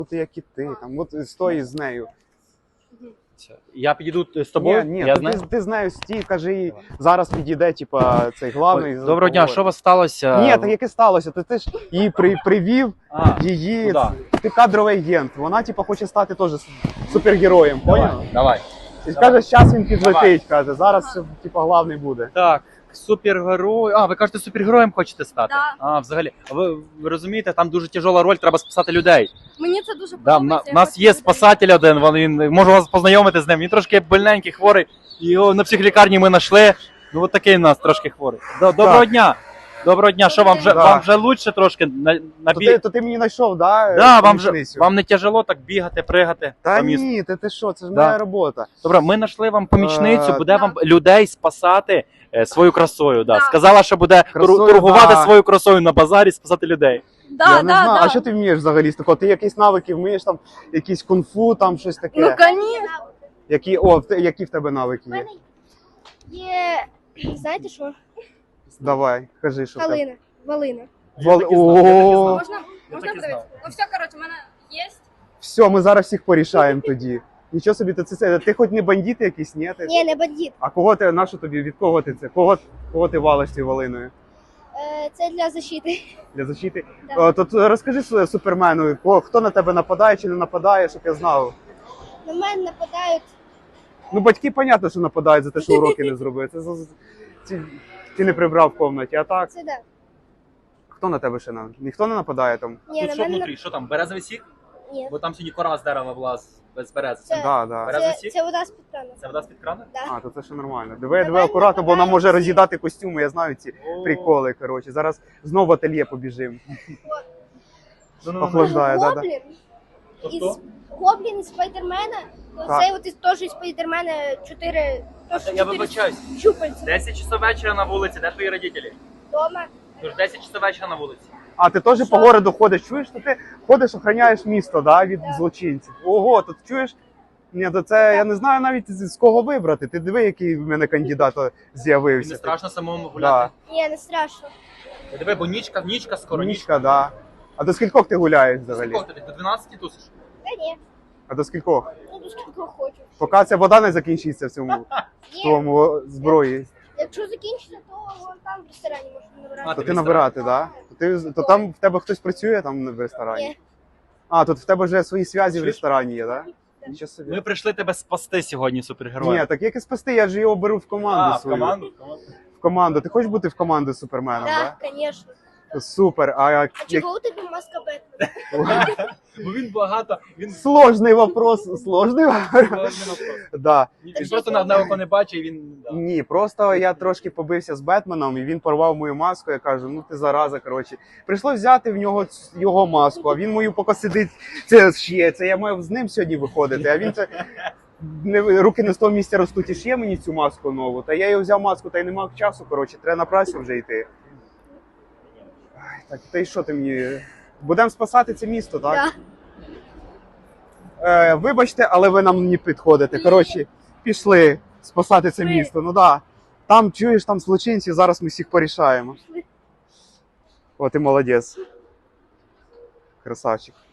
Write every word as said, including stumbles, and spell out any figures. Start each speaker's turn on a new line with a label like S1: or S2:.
S1: бути як і ти, там, от стой з нею.
S2: Я підійду з тобою?
S1: Ні, ні,
S2: я
S1: ти,
S2: знаю.
S1: ти, ти з нею стій, кажи їй, зараз підійде, типа, цей главний.
S2: Ой, доброго дня, що у вас сталося?
S1: Ні, так яке сталося? Ти, ти ж її при, привів,
S2: А,
S1: її,
S2: куда?
S1: ти кадровий агент, вона, типа, хоче стати теж супергероєм, поняв?
S2: Давай, давай.
S1: І каже, зараз він підлетить, каже, зараз, типа, главний буде.
S2: Так, супергерой. А, ви кажете, супергероєм хочете стати?
S3: Да.
S2: А, взагалі. А ви, ви розумієте, там дуже тяжела роль, треба спасати людей.
S3: Мені це дуже
S2: Да,
S3: подобається.
S2: на, у нас є спасатель один, він, він можу вас познайомити з ним. Він трошки больненький, хворий. Його на психлікарні ми знайшли. Ну от такий у нас трошки хворий. До, доброго
S1: Так.
S2: дня. Доброго дня. Що вам вже
S1: Да.
S2: вам вже лучше трошки на, на
S1: То
S2: бі...
S1: ти, то ти мені знайшов, да?
S2: Да, вам же
S1: помічницю?
S2: вам не тяжело так бігати, пригати
S1: Та
S2: по місту?
S1: ні, ти, ти що, це ж
S2: Да.
S1: моя робота.
S2: Добре, ми знайшли вам помічницю,
S1: Е,
S2: буде
S3: да.
S2: вам людей спасати е, свою красою. Да.
S3: Да.
S2: Сказала, що буде тур-
S1: Красою,
S2: торгувати
S1: да.
S2: свою красою на базарі, спасати людей.
S3: Да,
S1: Я
S3: да,
S1: не знаю,
S3: да.
S1: а що ти вмієш взагалі з такого? Ти якісь навики вмієш, там, якісь кунг-фу, там щось таке?
S3: Ну, конечно.
S1: Які, о, в те- які в тебе навики
S4: У
S1: є?
S4: мене є, знаєте що?
S1: Давай, кажи, що в тебе.
S4: Калина, валина.
S1: Вал...
S2: так і знав, я так і знав.
S1: О,
S3: Можна, можна
S2: так і знав.
S3: подивитися? Ну все, коротше, у мене є.
S1: все, ми зараз всіх порішаємо тоді. Нічого собі, ти, це, це, ти хоч не бандит якийсь, ні? Ти?
S4: Ні, не бандит.
S1: А кого ти, на що тобі, від кого ти це? Кого, кого ти валиш цією валиною?
S4: Е, Це для защити.
S1: Для защити?
S4: Да.
S1: О, то т- розкажи своє супермену, кого- хто на тебе нападає чи не нападає, щоб я знав.
S4: На мене нападають.
S1: Ну, батьки, понятно, що нападають за те, що уроки не зробив. Це, за- ці- ти не прибрав в кімнаті, а так?
S4: Це да.
S1: Хто на тебе ще на? Ніхто не нападає там?
S4: Ні, на мене нап-
S2: Що там, березовий сік?
S4: Ні.
S2: Бо там сьогодні кора з дерева була з- без берези.
S4: Це-
S1: Да, да.
S2: Березовий
S4: Це,
S2: сік?
S4: це вода з-під крану.
S2: Це вода з-під крана?
S4: Да.
S1: А, то це ще нормально. Диви,
S4: На
S1: диви
S4: мене
S1: акуратно, бо вона
S4: нападають
S1: може
S4: всі.
S1: роз'їдати костюми, я знаю ці
S2: О.
S1: приколи, коротше. Зараз знову в ательє побіжимо.
S2: Ну-ну-ну.
S1: Охлаждає, да, да.
S4: Гоблін
S2: То
S4: із
S2: хто?
S4: Гоблін із Спайдермена.
S1: Так.
S4: Оцей от із теж із Спайдермена чотири. Тож
S2: Я вибачаюсь.
S4: щупальця.
S2: десять часов вечора на вулиці, де твої родителі?
S4: Дома.
S2: Тож десять часов вечора на вулиці.
S1: А ти теж по городу ходиш, чуєш, що ти ходиш, охороняєш місто, да, від
S4: Так.
S1: злочинців. Ого, то ти чуєш? Ні, то це я не знаю навіть з з кого вибрати. Ти диви, який в мене кандидат
S2: Тобі
S1: з'явився.
S2: не страшно самому
S1: Да.
S2: гуляти?
S4: Ні, не страшно.
S2: Диви, бо нічка, нічка скоро, нічка.
S1: Нічка, да. А до скількох ти гуляєш взагалі?
S2: Скільки ти? До дванадцяти тусиш?
S4: Та ні.
S1: А до скількох?
S4: Ну, до скільки хочу.
S1: Поки ця вода не закінчиться в цьому в
S4: Ні.
S1: твоєму зброї,
S4: Якщо закінчиться, то вон там в ресторані можна
S2: А,
S4: набирати.
S1: то
S2: ти
S1: ти
S2: в
S1: набирати, да? То, ти, то там в тебе хтось працює там в ресторані?
S4: Ні.
S1: А, тут в тебе вже свої зв'язі в
S2: Чуєш?
S1: ресторані є, да? Нічого собі.
S2: Ми прийшли тебе спасти сьогодні, супергерой.
S1: Ні, так як і спасти, я ж його беру в команду
S2: А, в
S1: свою.
S2: команду? в команду.
S1: В команду. Ти хочеш бути в команду з Суперменом,
S4: Так,
S1: да?
S4: звісно.
S1: Супер. А, як...
S4: А чого у тебе маска Бетмена?
S2: Бо він багато, він
S1: Сложний вопрос, сложний вопрос. Да.
S2: Він просто на одне око не бачить, і він... да.
S1: Ні, просто я трошки побився з Бетменом, і він порвав мою маску. Я кажу, ну ти зараза, коротше. Прийшлось взяти в нього ц- його маску, а він мою поки сидить, це ще, це я маю з ним сьогодні виходити, а він це... Не, руки не з того місця ростуть, і ще мені цю маску нову. Та я його взяв маску, та й не мав часу, коротше, треба на працю вже йти. Ай, так, та й що ти мені? Будемо спасати це місто, так?
S4: Так.
S1: Е, вибачте, але ви нам не підходите. Коротше, пішли спасати це
S4: Пішли.
S1: місто. Ну да. Там чуєш, там злочинці, зараз ми всіх порішаємо. О, ти молодець. Красавчик.